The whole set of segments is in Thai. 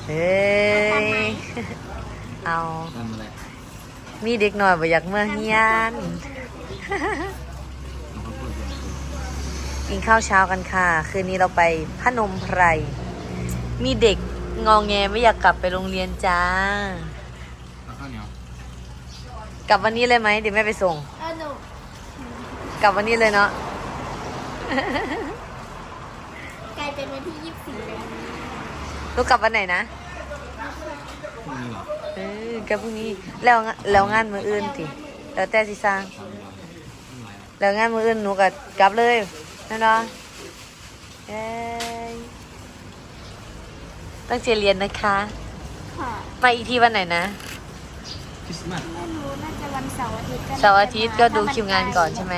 เฮ้ยเอาทำอะไรมีเด็กหน่อยบ่อยากเมื่อเฮียนกินข้าวเช้ากันค่ะคืนนี้เราไปพนมไพรมีเด็กงองแงไม่อยากกลับไปโรงเรียนจ้าข้าวเหนียวกลับวันนี้เลยไหมเดี๋ยวแม่ไปส่งหนูกลับวันนี้เลยเนาะกลายเป็นวันที่24เลยลูกกลับวันไหนนะพรุ่งนี้เหรอกลับพรุ่งนี้แล้วงานมื้ออื่นติแล้วแต่สิสร้างแล้วงานมื้ออื่นหนูก็กลับเลยนั่นเนาะเอ้ยตั้งใจเรียนนะคะค่ะมาอีกทีวันไหนนะคริสต์มาสไม่รู้น่าจะวันเสาร์อาทิตย์เสาร์อาทิตย์ก็ดูคิวงานก่อนใช่ไหม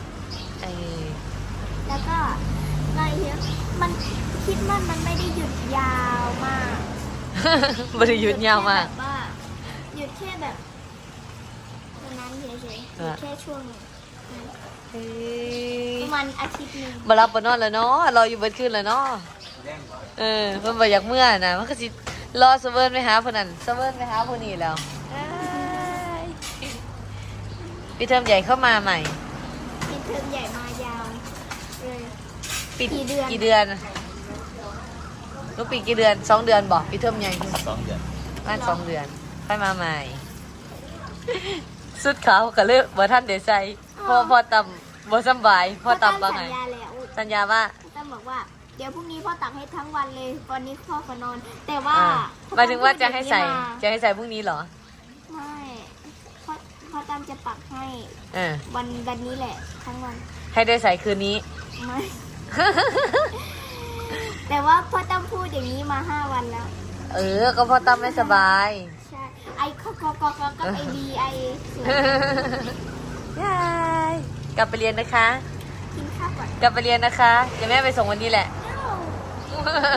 แล้วก็มาเยอะมันคิดว่ามันไม่ได้หยุดยาวมากบริยุทธ์ยาวมากแบบว่าหยุดแค่แบบตรงนั้นเฉยๆหยุดแค่ช่วงหนึ่งประมาณอาทิตย์หนึงบรับบนอนแล้วเนาะรออยู่เบิดขึ้นแล้วเนาะเพิ่นบ่อยากเมื่อนะมันก็สิรอเซเวิร์นไปหาผู้นั้นเซเวิร์นไปหาผู้นี้แล้วพี่เทอมใหญ่เข้ามาใหม่ปิดเทอมใหญ่มายาวเลยปิดกี่เดือนกี่เดือนลูกปิดกี่เดือน2 เดือนบอกพี่เทอมใหญ่ 2 เดือนบ้าน2 เดือนค่อยมาใหม่ สุดขาวก็เลยบ่ทันได้ใส่พอต่ำบ่สำบายพอต่ำว่าไงสัญญาแล้วสัญญาว่าตั้มบอกว่าเดี๋ยวพรุ่งนี้พ่อตักให้ทั้งวันเลยวันนี้พ่อก็นอน แต่ว่าหมายถึงว่าจะให้ใส่พ่อจะให้ใส่พรุ่งนี้เหรอไม่พ่อตั้มจะปักให้เออวันนี้แหละทั้งวันให้ได้ใส่คืนนี้ไม่ แต่ว่าพ่อตั้มพูดอย่างนี้มา5 วันแล้วก็พ่อตั้มไม่สบายใช่ไอคอกก็ไอบีไอสวยยายกลับไปเรียนนะคะกินข้าวก่อนกลับไปเรียนนะคะ เดี๋ยวแม่ไปส่งวันนี้แหละเอ้า